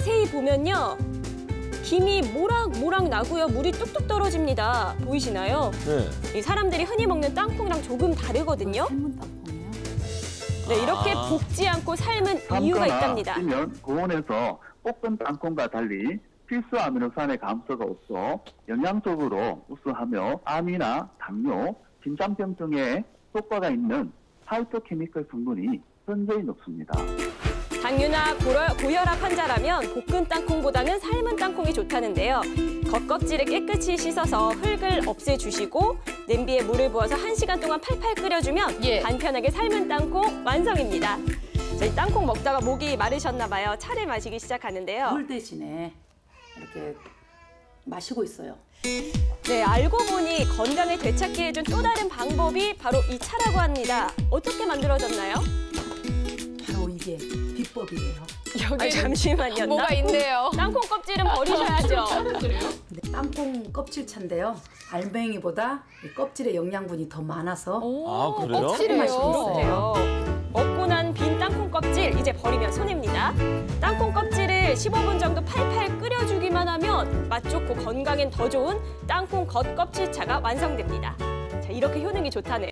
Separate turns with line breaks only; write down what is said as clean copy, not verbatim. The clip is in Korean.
자세히 보면요. 김이 모락모락 나고요. 물이 뚝뚝 떨어집니다. 보이시나요?
네.
이 사람들이 흔히 먹는 땅콩이랑 조금 다르거든요.
삶은 땅콩이요?
네, 이렇게 볶지 않고 삶은 이유가 있답니다.
면 고온에서 볶은 땅콩과 달리 필수 아미노산의 감소가 없어 영양적으로 우수하며 암이나 당뇨, 심장병 등의 효과가 있는 파이토케미컬 성분이 현저히 높습니다.
당뇨나 고혈압 환자라면 볶은 땅콩보다는 삶은 땅콩이 좋다는데요. 겉껍질을 깨끗이 씻어서 흙을 없애주시고 냄비에 물을 부어서 1시간 동안 팔팔 끓여주면 간편하게 삶은 땅콩 완성입니다. 저희 땅콩 먹다가 목이 마르셨나 봐요. 차를 마시기 시작하는데요.
물 대신에 이렇게 마시고 있어요.
네, 알고 보니 건강을 되찾게 해준 또 다른 방법이 바로 이 차라고 합니다. 어떻게 만들어졌나요?
바로 이게 비법이에요.
여기 잠시만요.
뭐가 있네요.
땅콩 껍질은 버리셔야죠.
네, 땅콩 껍질차인데요. 알맹이보다 이 껍질에 영양분이 더 많아서
아, 그래요?
그렇대요. 먹고 난 빈 땅콩 껍질 이제 버리면 손해입니다. 땅콩 껍질을 15분 정도 팔팔 끓여주기만 하면 맛 좋고 건강엔 더 좋은 땅콩 겉껍질차가 완성됩니다. 자, 이렇게 효능이 좋다네요.